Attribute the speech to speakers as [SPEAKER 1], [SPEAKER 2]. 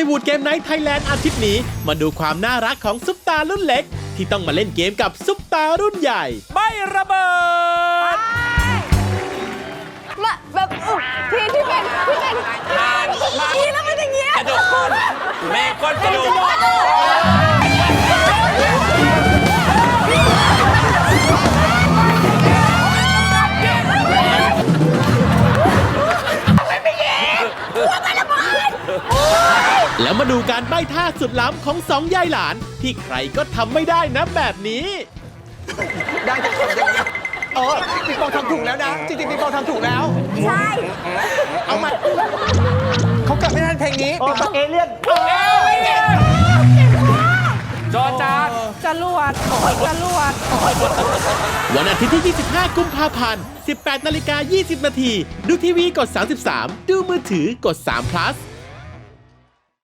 [SPEAKER 1] วูดเกมไนท์ไทยแลนด์อาทิตย์นี้มาดูความน่ารักของซุปตารุ่นเล็ก ที่ต้องมาเล่นเกมกับซุปตารุ่นใหญ่
[SPEAKER 2] ไม่ระเบิด
[SPEAKER 3] มาแบบที่เป็น
[SPEAKER 2] ผ่านมา
[SPEAKER 3] แล้วมันอย่างเงี้ย
[SPEAKER 2] กระโดดก้นแม่ก้นกระโดด
[SPEAKER 1] แล้วมาดูการใบ้ท่าสุดล้ำของสองยายหลาน ที่ใครก็ทำไม่ได้นะแบบนี้
[SPEAKER 4] ได้จะทำยังไงปิงปองทำถูกแล้วนะ จริงๆปิงปองทำถูกแล้ว
[SPEAKER 3] ใช่
[SPEAKER 4] เอามาเขากลับไม่ทันเพลงนี้ปิงปอง
[SPEAKER 5] เอเลี่ยน
[SPEAKER 2] จอจาน
[SPEAKER 3] จรวด
[SPEAKER 1] วันอาทิตย์ที่ 25 กุมภาพันธ์ 18:20 น. ดูทีวีกด 33 ดูมือถือกด3 plus